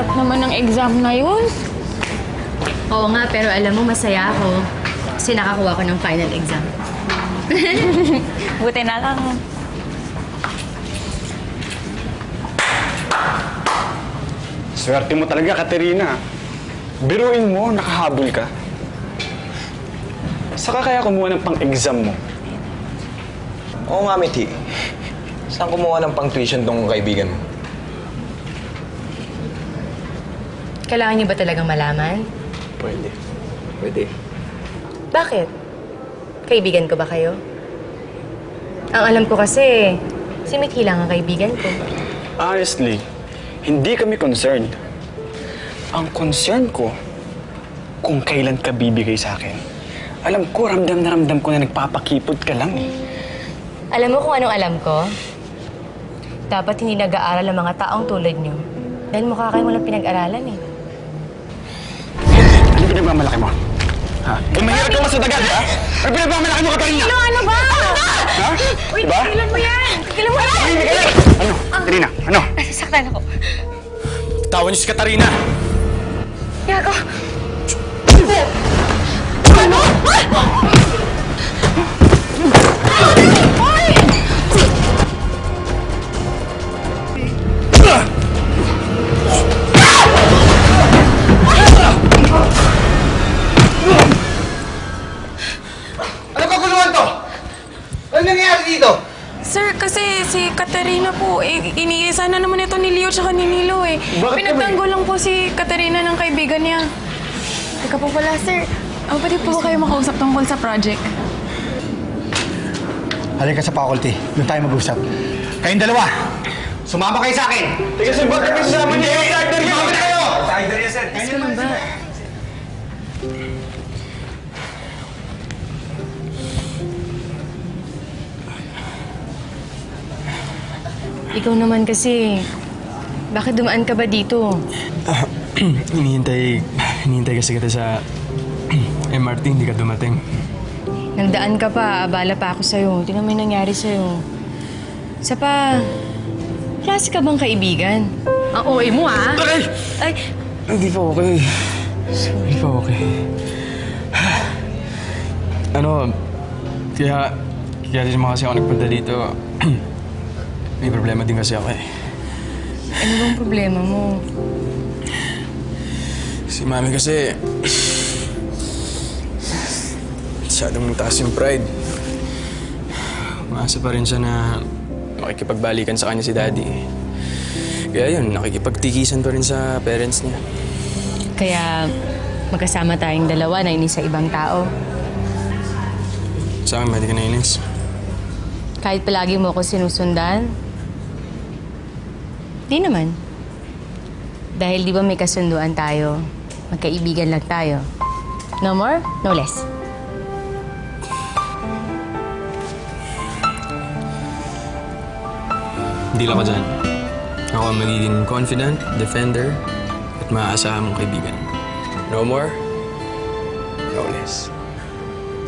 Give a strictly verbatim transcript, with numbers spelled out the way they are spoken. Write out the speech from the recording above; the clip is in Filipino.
hirap naman ng exam na yun. Oo nga, pero alam mo, masaya ako. Kasi nakakuha ko ng final exam. Buti na lang. Swerte mo talaga, Katerina. Biruin mo, nakahabol ka. Saka kaya kumuha ng pang-exam mo? Oo nga, Mithi. Saan kumuha ng pang-tuition tong kaibigan mo? Kailangan niyo ba talagang malaman? Pwede. Pwede. Bakit? Kaibigan ko ba kayo? Ang alam ko kasi, si Mithi lang ang kaibigan ko. Honestly, hindi kami concerned. Ang concern ko, kung kailan ka bibigay sa akin. Alam ko, ramdam na ramdam ko na nagpapakipot ka lang eh. Alam mo kung anong alam ko? Dapat hindi nag-aaral ang mga taong tulad niyo. Dahil mukha kayong walang pinag-aralan eh. Ano pinagmamalaki mo? Ha? Kung mahirap ka masadagan, ha? Ano pinagmamalaki mo, Katerina? Ano, ano ba? Ha? Uy, Diba? tigilan mo yan! Tigilan mo yan! Ay, hindi ka Ano? Katerina, ano? Nasasaktan ako. Tawan niyo si Katarina! Yago! Ano? Hoy! Ano kaguluhan to? Ano nangyayari dito? Sir, kasi si Katerina po, eh, iniisa na naman ito ni Leo tsaka ni Nilo eh. Bakit Pinagtanggol lang po si Katerina ng kaibigan niya. Teka po pala, sir. Oh, pwede po ba kayo makausap tungkol sa project? Halika sa faculty. Doon tayo mag-usap. Kayong dalawa, sumama kayo sa akin! Teka, sir, bakit may sasama niya? Starter niyo! Sumama na kayo! Tiger yan, sir. Gusto mo ba? Ikaw naman kasi, bakit dumaan ka ba dito? Ah, hinihintay, hinihintay kasi kita sa M R T, hindi ka dumating. Nagdaan ka pa, abala pa ako sa'yo. Tingnan mo yung nangyari sa'yo. Sa pa, klase ka bang kaibigan? Ang O A mo, ah! Ay! Ay, Hindi pa okay. Hindi pa okay. Ano, kaya, kaya din naman kasi ako nagpunta dito. May problema din kasi ako eh. ano bang problema mo? Si Mami kasi... masyadong taas yung pride. Umaasa pa rin siya na makikipagbalikan sa kanya si Daddy. Kaya yun, nakikipagtikisan pa rin sa parents niya. Kaya magkasama tayong dalawa na inis sa ibang tao. Sa akin, hindi ka nainis. Kahit palagi mo ako sinusundan, di naman. Dahil di ba may kasunduan tayo, magkaibigan lang tayo. No more, no less. Hindi lang ka dyan. Ako ang magiging confident, defender, at maaasahan mong kaibigan. No more, no less.